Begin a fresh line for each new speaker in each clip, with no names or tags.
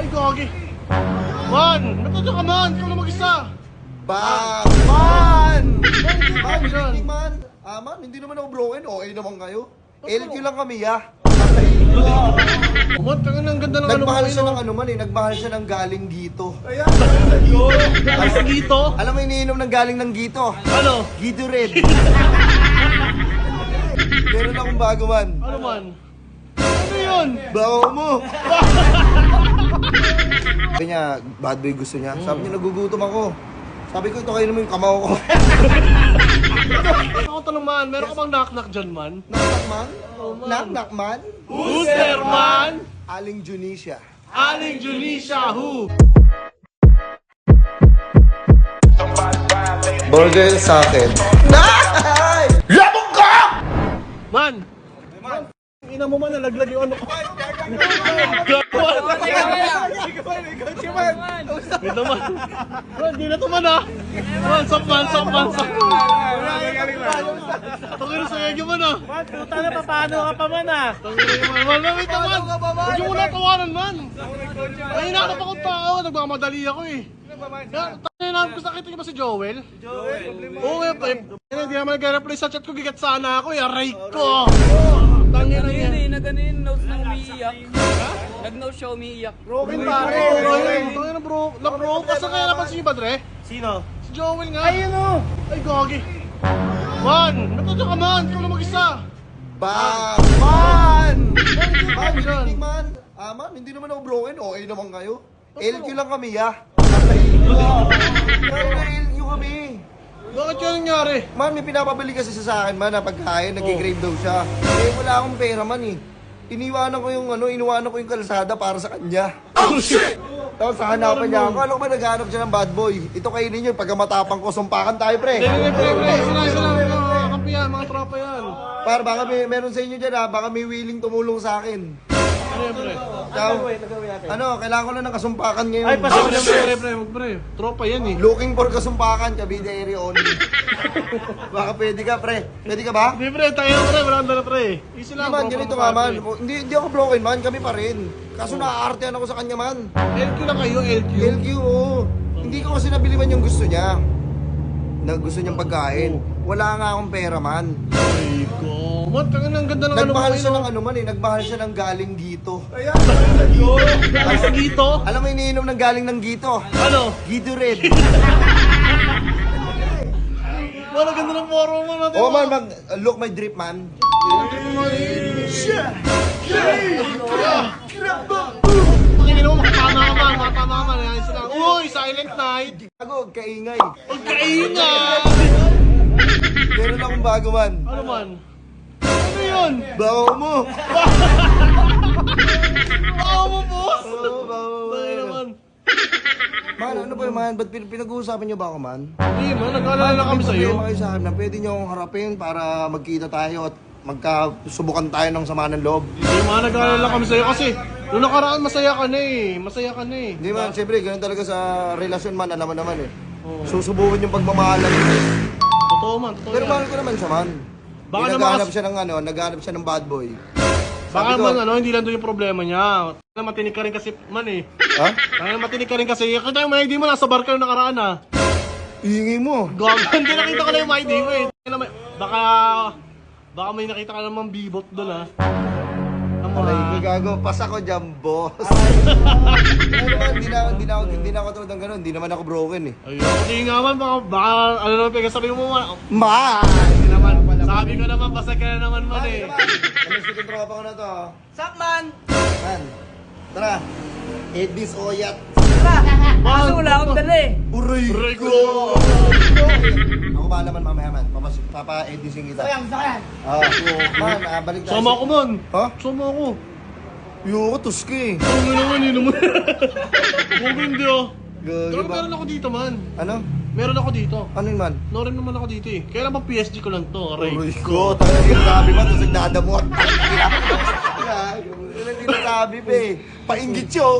Ay, gagi. Man! Natadya ka, man! Ikaw na mag-isa!
Man! Man!
Man,
Hindi man. Man, hindi naman ako broken. Okay naman kayo. LQ lang kami,
Man, tangan ang ganda ng ano mo
Nagmahal siya
ngayon.
ng ano man eh. Nagmahal siya ng galing Gito.
Ay, sa dito?
Alam mo iniinom ng galing ng Gito?
Ano?
Gito Red. Meron akong bago man.
Ano man? Ano yun?
Bago mo. Sabi niya, bad boy gusto niya. Sabi niya, nagugutom ako. Sabi ko, ito kayo naman yung kamao ko.
Ako tanong man, meron ka bang knock-knock dyan, man?
Knock-knock man?
Oh, man.
Knock-knock man?
Who's there, man?
Aling Junisha.
Aling Junisha, who?
Burger sa akin. Labog ka!
Man! Ina mo man, nalaglag yung ano ko. Wait naman. Man, di na to man ah. Man, sok man. Tungin sa yagyo man ah.
Man, puta na, paano ka pa man ah?
Tungin na man. Man, wait naman. Huwag yung muna tawanan man. Ay, hinahanap akong tao. Nagmamadali ako eh. Tangin namin ko nakita niyo ba si Joel? Oo, hindi naman nag-reply sa chat ko. Gigat sana ako eh. Aray ko. Tangin na yan.
Nag-notes na umiiyak. Nag-notes siya umiiyak.
Broken pare. Tangin na bro. Na-bro. Kasi kaya napansin niyo ba, Dre?
Sino?
Si Joel nga.
Ayun o!
Ay, gagi. Man! Natadya ka, man! Ikaw na mag-isa!
Man! Man!
Man, dyan.
Hindi man. Man, hindi naman ako broken. Okay naman kayo. LQ lang kami, LQ kami.
Bakit yan nangyari?
Man, may pinapabili kasi siya sa akin, man, na pagkain. Nag-grave daw siya. Eh, wala akong pera, man, eh. Iniwanan ko yung kalsada para sa kanya.
Oh, shit!
Tapos hahanapan niya ako. Alam ko ba naghanap siya ng bad boy? Ito kainin niyo, pagka matapang ko, sumpakan tayo, pre.
Pre. Isa lang. Mga kampi yan, mga tropa yan.
Para baka meron sa inyo dyan, baka may willing tumulong sa akin.
Pre.
Kailangan ko na ng kasumpakan ngayon.
Ay,
Pre. Tropa yan eh.
Looking for kasumpakan, Cavite area only. Baka pwede ka, pre. Pwede ka ba?
Hindi, pre. Tayo pre. Wala ka na, pre. Easy lang.
Man,
tropa
ganito
mo,
nga,
pre.
man. Hindi ako broken, man. Kami pa rin. Kaso naaartehan ako sa kanya, man.
LQ lang kayo, LQ.
LQ, oo. Hindi ko kasi nabiliban yung gusto niya. Na gusto niyang pagkain. Wala nga akong pera, man.
Ay, ko. Man, tangan ang ganda ng ano mo
Nagmahal siya ng
ngayon.
ano man eh. Nagmahal siya ng galing Gito.
Ay, sa dito?
Alam mo iniinom ng galing ng Gito?
Ano?
Gito Red.
Man, ang ganda ng foro mo natin.
Oh man, look my drip, man.
Pakingin mo, makatama ka man. Ayan sila. Uy, Silent Night.
Ako, kaingay.
Huwag kaingan.
Meron akong bago, man.
Ano man? Ano yun?
Bago mo.
Baka mo, boss.
Oo, bago mo.
Tayo naman.
Man, ano ba man? Ba't pinag-uusapan niyo ba ako, man?
Hindi man, nag-alala lang kami sa'yo.
Problema kayo sa akin na pwede niyo akong harapin para magkita tayo at magkasubukan tayo ng sama ng loob.
Hindi man, nag-alala lang kami sa'yo kasi noong nakaraan masaya ka na eh.
Hindi man, siyempre, ganun talaga sa relasyon, man. Alam mo naman eh.
Oo.
Susubukan yung pagmamahalan.
Totoo man, totoo
Pero
yan.
mahal ko naman siya, man.
Baka
Naghahanap
naman
siya ng naghahanap siya ng bad boy.
Baka
Sabi ko,
man, hindi lang doon yung problema niya. Matinig ka rin kasi, man eh.
Ha?
Matinig ka rin kasi. Kita yung ID mo, nasa bar ka yung nakaraan ah.
Iingi mo.
Gago, hindi nakita ko na yung ID mo eh. Baka may nakita ka namang bibot doon ah.
Aray, gago. Pas ako dyan, boss. Ano naman, hindi na ako tulad ng ganun. Hindi naman ako broken eh.
Ayun, hindi nga man, baka ano naman pinagsasabi mo man.
Ma!
Hindi naman, sabi ko naman, basta ka na naman man eh.
Ano yung second tropa ko na to?
Sup, man?
Man, tara. Eat this oyat.
Kaso wala akong dala eh.
Uray!
Aray ko!
Ako ba naman mamaya, man? Papa-edising kita. Man, balik tayo.
Sama ako man.
Ha?
Sama ako.
Yoko, tuski.
Ano naman, yun naman. Huwag hindi ah.
Gagi
Pero
ba?
meron ako dito man.
Ano?
Meron ako dito.
Ano yun, man?
Norin naman ako dito eh. Kaya lang PSG ko lang to, aray.
Uray ko, talaga yung sabi mo, tapos nagdadamot. Hindi na sabi, pe. Painggit siyo.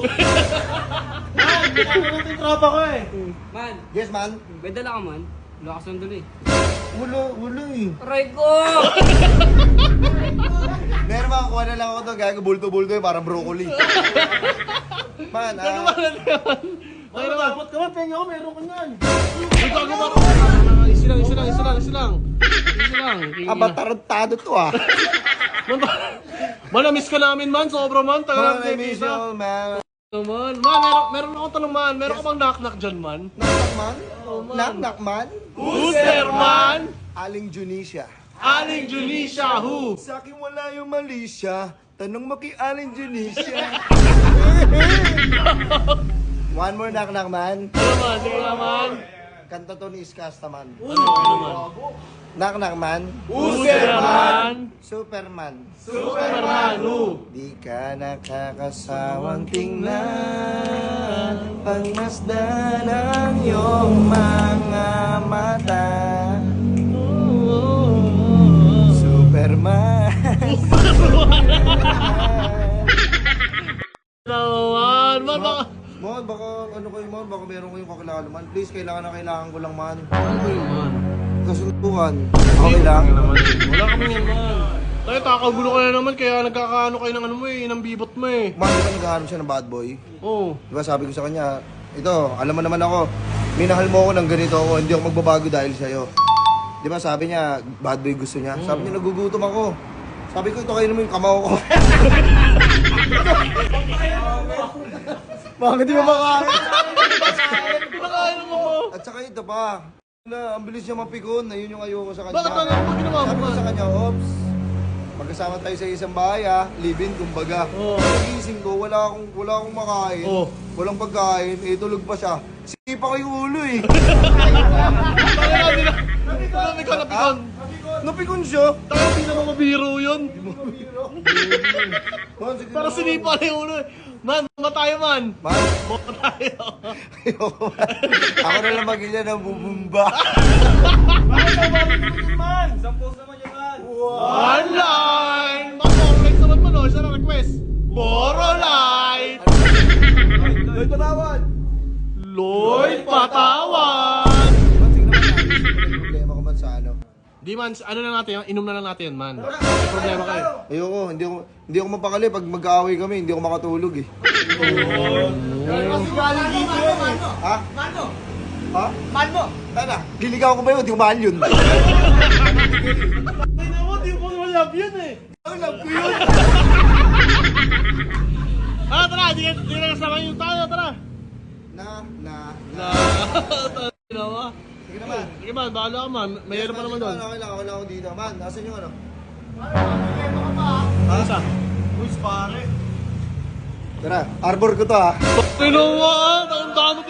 Yung tropa ko eh.
Man,
Yes, man.
may dala ka man? Wala ka sandali eh.
Wala eh.
Aray ko!
Meron ba, kuha na lang ako to, gaya ko bulto-bulto eh, parang broccoli. Man,
Gagawa na yan. Ay naman.
Dapat ka man, penga ko, meron ka yan.
Ay, gagawa ko. Isa lang.
abatarantado to ah.
Man, na-miss ka namin man. Sobra man. Tagal
Man, I miss you all, man.
Man, meron akong tanong man. Meron ka bang knock-knock dyan man?
Knock-knock man?
man.
Knock-knock man?
Who's there man?
Aling Junisha.
Aling Junisha, who?
Sa akin wala yung mali siya. Tanong mo kay Aling Junisha. One more knock-knock man.
Ano man? Sige naman.
Kanta to ni Iskasta man.
Ano man?
Knock-knock man.
Who's there man?
Superman.
Superman, who?
Di ka nakakasawang tingnan pagmasdan ang iyong mga mata. Superman.
Naman, man, baka...
Mon, baka ano kayo man, baka meron kayong kakilala man. Please, kailangan ko lang man.
Ano ba yun man?
Kasunduan. Okay lang.
Wala kami yan man. Tayo, kakagulo ka na naman, kaya nagkakaano kayo ng ano mo eh, ng bibot mo eh.
Man, di ba naghahanap siya ng bad boy?
Oo.
Di ba sabi ko sa kanya, ito, alam mo naman ako, minahal mo ako ng ganito ako, hindi ako magbabago dahil sa'yo. Di ba sabi niya, bad boy gusto niya? Sabi niya, nagugutom ako. Sabi ko, ito kayo naman yung kamao ko. Bakit di ba makain?
Pinakain mo mo.
At saka ito pa, na, ang bilis niya mapikon, na yun yung ayoko sa kanya.
Bakit ano mo ginawa mo
Sabi ko
man?
sa kanya, Ops, magkasama tayo sa isang bahay ah, live-in kumbaga.
Oo.
Nagising ko, wala akong makain,
Oo.
walang pagkain, eh tulog pa siya. Sipa ko yung ulo eh.
Tayo namin na. Namin ka napikon.
Napikon siya.
Tayo hindi naman mabiro yun.
Man, sige
Para
na.
sinipa na yung ulo. Man, matayo man.
Man,
Baka tayo.
ayoko man. Ako na lang magilya ng bubumba.
Man, sampos naman yung man.
One line. Mag-correct naman mo no. Isa na request. Boro light.
Lloyd, patawad!
Lloyd, patawan.
Man, sige naman, ayos ko problema ko man sa ano.
Di man, ano na natin, inom na lang natin yan, man. May problema kayo.
Ayoko, hindi ako mapakali pag mag-aaway kami, hindi ako makatulog eh. Ha?
Mano?
Ha?
Mano?
Tana, liligaw ko ba yun? Hindi ko mahal yun.
Ay naman, di mo naman love yun eh.
Ang love ko yun.
Tara, di na kasama yung tayo, tara.
Na.
Ginawa.
Sige naman.
Sige man, bahala ka man. May ano pa naman doon.
Okay lang ako dito. Man, nasan yung ano?
Asa?
Uy, pare.
Tara, arbor ko to ha.
Ginawa, ang dami